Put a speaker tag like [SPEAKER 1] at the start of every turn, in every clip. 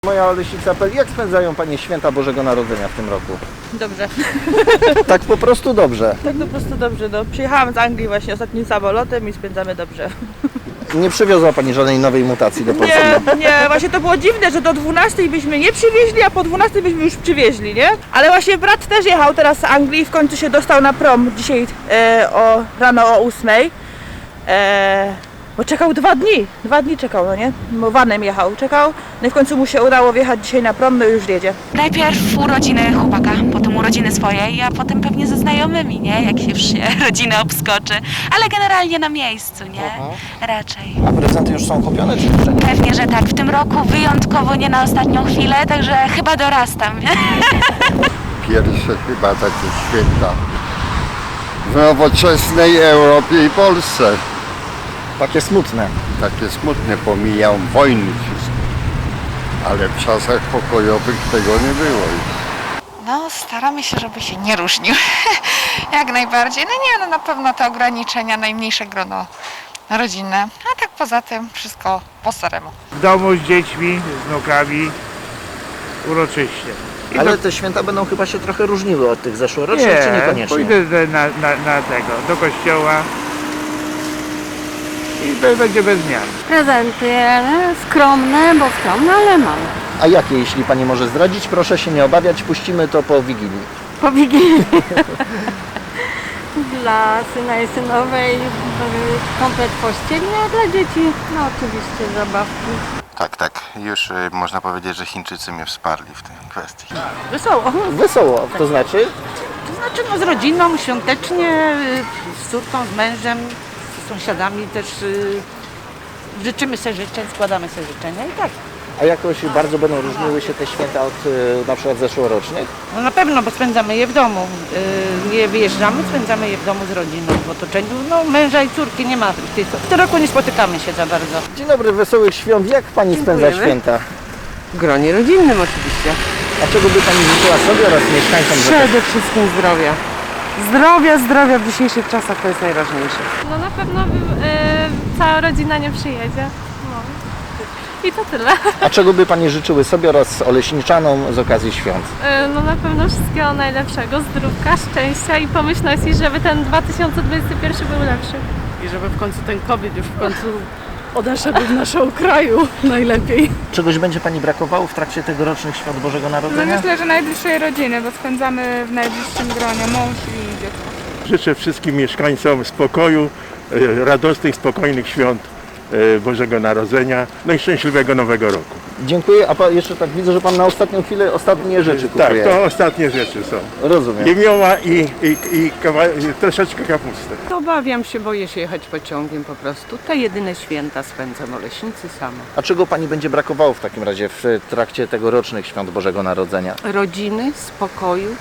[SPEAKER 1] Moja Oleśnica.pl. Jak spędzają Panie święta Bożego Narodzenia w tym roku?
[SPEAKER 2] Dobrze.
[SPEAKER 1] Tak po prostu dobrze.
[SPEAKER 2] Tak po prostu dobrze. No. Przyjechałam z Anglii właśnie ostatnim samolotem i spędzamy dobrze.
[SPEAKER 1] Nie przywiozła Pani żadnej nowej mutacji do Polski?
[SPEAKER 2] Nie, właśnie to było dziwne, że do 12 byśmy nie przywieźli, a po 12 byśmy już przywieźli, nie? Ale właśnie brat też jechał teraz z Anglii i w końcu się dostał na prom dzisiaj rano o 8. Bo czekał 2 dni. 2 dni czekał, no nie? Bo vanem jechał, czekał. No i w końcu mu się udało wjechać dzisiaj na prom, no i już jedzie.
[SPEAKER 3] Najpierw urodziny chłopaka, potem urodziny swoje, a potem pewnie ze znajomymi, nie? Jak się już się rodzinę obskoczy. Ale generalnie na miejscu, nie? Raczej.
[SPEAKER 1] A prezenty już są kupione czy jeszcze nie?
[SPEAKER 3] Pewnie, że tak. W tym roku wyjątkowo nie na ostatnią chwilę, także chyba dorastam, nie?
[SPEAKER 4] Pierwsze chyba takie święta w nowoczesnej Europie i Polsce.
[SPEAKER 1] Takie smutne.
[SPEAKER 4] Takie smutne, pomijam wojny wszystkie. Ale w czasach pokojowych tego nie było już.
[SPEAKER 5] No, staramy się, żeby się nie różnił. Jak najbardziej. No nie, no na pewno te ograniczenia, najmniejsze grono rodzinne. A tak poza tym wszystko po staremu.
[SPEAKER 6] W domu z dziećmi, z wnukami, uroczyście.
[SPEAKER 1] Ale te święta będą chyba się trochę różniły od tych zeszłorocznych, czy niekoniecznie?
[SPEAKER 6] pójdę na tego, do kościoła i będzie bez zmian.
[SPEAKER 7] Prezenty, ale skromne, bo skromne, ale małe.
[SPEAKER 1] A jakie, jeśli Pani może zdradzić? Proszę się nie obawiać, puścimy to po Wigilii.
[SPEAKER 7] Po Wigilii. Dla syna i synowej komplet pościelny, a dla dzieci no oczywiście zabawki.
[SPEAKER 8] Tak, już można powiedzieć, że Chińczycy mnie wsparli w tej kwestii.
[SPEAKER 2] Wesoło.
[SPEAKER 1] Wesoło, to znaczy?
[SPEAKER 2] To znaczy no z rodziną, świątecznie, z córką, z mężem, z sąsiadami też życzymy sobie życzeń, składamy sobie życzenia i tak.
[SPEAKER 1] A jakoś bardzo będą różniły się te święta od na przykład zeszłorocznych?
[SPEAKER 2] No na pewno, bo spędzamy je w domu. Nie wyjeżdżamy, spędzamy je w domu z rodziną, w otoczeniu. No męża i córki nie ma. W tym roku nie spotykamy się za bardzo.
[SPEAKER 1] Dzień dobry, wesołych świąt. Jak Pani spędza święta?
[SPEAKER 9] W gronie rodzinnym oczywiście.
[SPEAKER 1] A czego by Pani życzyła sobie oraz mieszkańcom?
[SPEAKER 9] Przede wszystkim zdrowia. Zdrowia w dzisiejszych czasach to jest najważniejsze.
[SPEAKER 7] No na pewno cała rodzina nie przyjedzie. No. I to tyle.
[SPEAKER 1] A czego by Pani życzyły sobie oraz oleśniczanom z okazji świąt?
[SPEAKER 7] No na pewno wszystkiego najlepszego, zdrówka, szczęścia i pomyślności, żeby ten 2021 był lepszy.
[SPEAKER 9] I żeby w końcu ten COVID już w końcu odeszedł w naszego kraju najlepiej.
[SPEAKER 1] Czegoś będzie Pani brakowało w trakcie tegorocznych świąt Bożego Narodzenia?
[SPEAKER 10] Myślę, że najbliższej rodziny, bo spędzamy w najbliższym gronie mąż i dziecko.
[SPEAKER 6] Życzę wszystkim mieszkańcom spokoju, radosnych, spokojnych świąt Bożego Narodzenia, no i szczęśliwego Nowego Roku.
[SPEAKER 1] Dziękuję, a jeszcze tak widzę, że Pan na ostatnią chwilę ostatnie rzeczy kupuje.
[SPEAKER 6] Tak, to ostatnie rzeczy są.
[SPEAKER 1] Rozumiem.
[SPEAKER 6] Jemioła i troszeczkę kapusty.
[SPEAKER 9] Obawiam się, boję się jechać pociągiem po prostu. Te jedyne święta spędzam w Oleśnicy sama.
[SPEAKER 1] A czego Pani będzie brakowało w takim razie w trakcie tegorocznych świąt Bożego Narodzenia?
[SPEAKER 9] Rodziny, spokoju.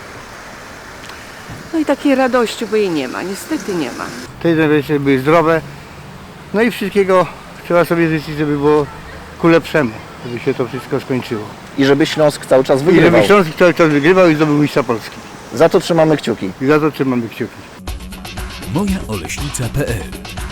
[SPEAKER 9] No i takiej radości, bo jej nie ma, niestety nie ma.
[SPEAKER 6] Te rzeczy były zdrowe, no i wszystkiego trzeba sobie życzyć, żeby było ku lepszemu, żeby się to wszystko skończyło.
[SPEAKER 1] I żeby Śląsk cały czas
[SPEAKER 6] I
[SPEAKER 1] wygrywał.
[SPEAKER 6] żeby Śląsk cały czas wygrywał i zdobył mistrza Polski.
[SPEAKER 1] Za to trzymamy kciuki.
[SPEAKER 6] I za to trzymamy kciuki.
[SPEAKER 11] Mojaoleśnica.pl